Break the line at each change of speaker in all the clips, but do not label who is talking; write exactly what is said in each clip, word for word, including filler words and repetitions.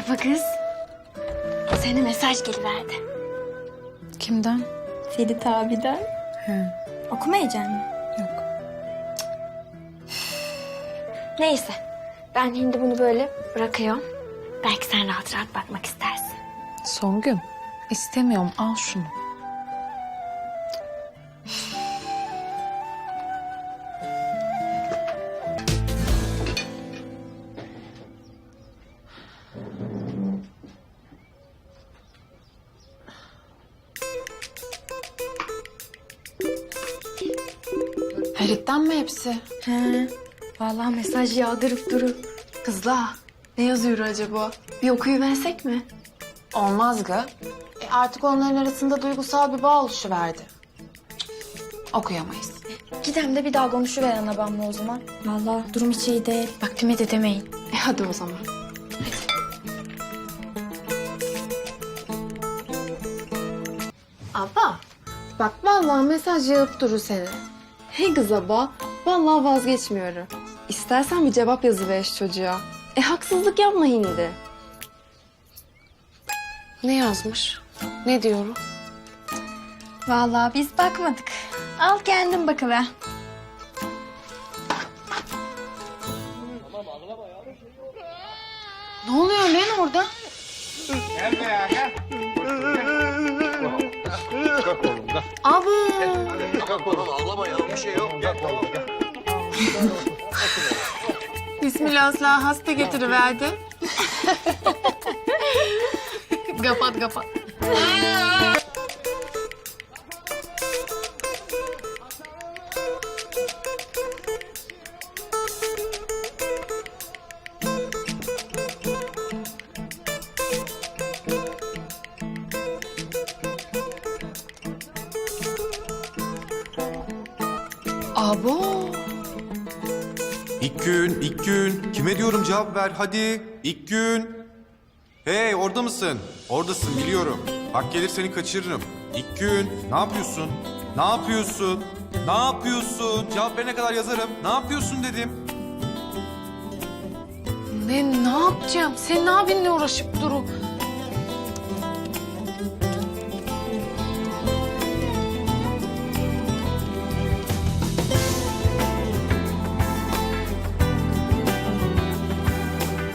Merhaba kız. Sana mesaj geliverdi.
Kimden?
Ferit abiden.
He.
Okumayacak mı?
Yok.
Neyse. Ben şimdi bunu böyle bırakıyorum. Belki sen rahat rahat bakmak istersin.
Songül, istemiyorum. Al şunu. Ferit'ten mi hepsi?
He. Vallahi mesaj yağdırıp durur.
Kızlar, ne yazıyor acaba? Bir okuyuversek mi?
Olmaz gı. E artık onların arasında duygusal bir bağ oluşuverdi. Okuyamayız.
Gidem de bir daha konuşuver anabamla o zaman. Vallahi durum hiç iyi değil. Bak Pime de demeyin.
E hadi o zaman. Abba, bak vallahi mesaj yağıp durur seni. Hey kız abba, vallahi vazgeçmiyorum. İstersen bir cevap yazıver şu çocuğa. E haksızlık yapma hindi.
Ne yazmış? Ne diyorum?
Vallahi biz bakmadık. Al kendin bakıver.
Ne oluyor lan orada?
Gel be gel. Kalk oğlum kalk.
Abu.
Kalk oğlum ağlama ya bir şey yok. Gel oğlum gel.
Bismillah hasta getiriverdi. Kapat kapat. Abo.
İlk gün, ilk gün. Kime diyorum cevap ver hadi. İlk gün. Hey orada mısın? Oradasın biliyorum. Hak gelir seni kaçırırım. İlk gün. Ne yapıyorsun? Ne yapıyorsun? Ne yapıyorsun? Cevap verene kadar yazarım. Ne yapıyorsun dedim.
Ne, ne yapacağım? Senin abinle uğraşıp duru.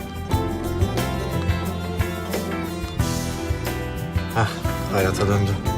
Hah hayata döndü.